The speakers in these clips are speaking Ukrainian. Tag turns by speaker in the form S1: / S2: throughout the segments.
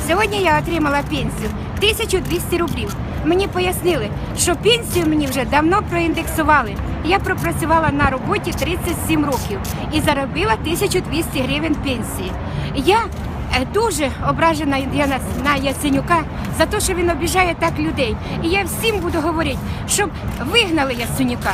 S1: Сьогодні я отримала пенсію 1200 рублів. Мені пояснили, що пенсію мені вже давно проіндексували. Я пропрацювала на роботі 37 років і заробила 1200 гривень пенсії. Я дуже ображена на Яценюка за те, що він обіжає так людей. І я всім буду говорити, щоб вигнали Яценюка,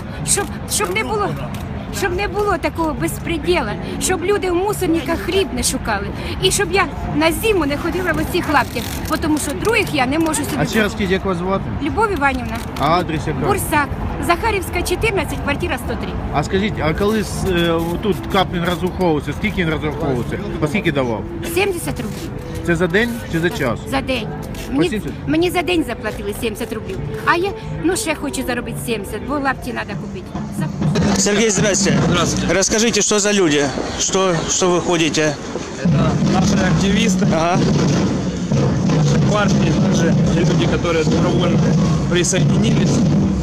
S1: щоб не було такого безпреділа, щоб люди в мусорниках хліб не шукали. І щоб я на зиму не ходила в оцих лаптях, тому що других я не можу собі.
S2: А ще раз скажіть, як вас звати?
S1: Любов Іванівна.
S2: А адрес який?
S1: Бурсак. Захарівська, 14, квартира 103.
S2: А скажіть, а коли тут Каплін розраховувався, скільки він розраховувався? По скільки давав?
S1: 70 рублів.
S2: Це за день чи за час?
S1: За день.
S2: По 70?
S1: Мені за день заплатили 70 рублів. А я, ще хочу заробити 70, бо лапті треба купити.
S3: Сергей, здрасте.
S4: Здравствуйте.
S3: Расскажите, что за люди? Что вы ходите?
S4: Это наши активисты,
S3: Ага.
S4: наши партии, также люди, которые добровольно присоединились.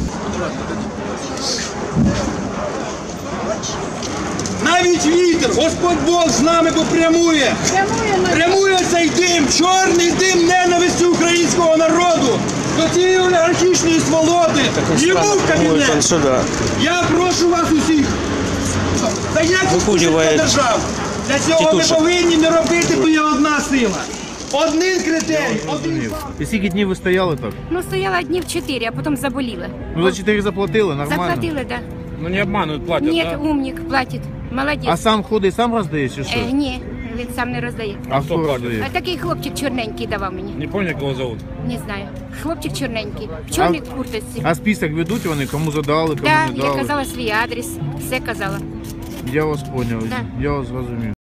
S5: Навіть вітер, Господь Бог з нами попрямує. Прямує цей дим, чорний дим ненависті українського народу до цієї олігархічної сволоти. Йому в кабінет.
S3: Сюда.
S5: Я прошу вас усіх.
S3: Викурює
S5: держав. Для цього ми
S3: тітушок.
S5: повинні не робити, бо є одна сила. Один критерій, один факт.
S2: І скільки днів ви стояли так?
S1: Стояла днів 4, а потім заболіла.
S2: Ну за 4 заплатили, нормально?
S1: Заплатили, да.
S4: Ну не обманывают, платят,
S1: Ні,
S4: да?
S1: умник, платить. Молодець.
S2: А сам ходить, сам роздає чи що?
S1: Ні, він сам не роздає.
S2: А
S4: хто
S2: хто
S4: платить?
S2: роздає?
S1: А такий хлопчик чорненький давав мені.
S4: Не помню, как его зовут.
S1: Не знаю. Хлопчик чорненький. В чорній курточці.
S2: А список ведуть вони, кому задали, кому
S1: Да,
S2: не
S1: я
S2: дали?
S1: казала свій адрес, все казала.
S2: Я вас поняв,
S1: Да.
S2: я вас зрозумів.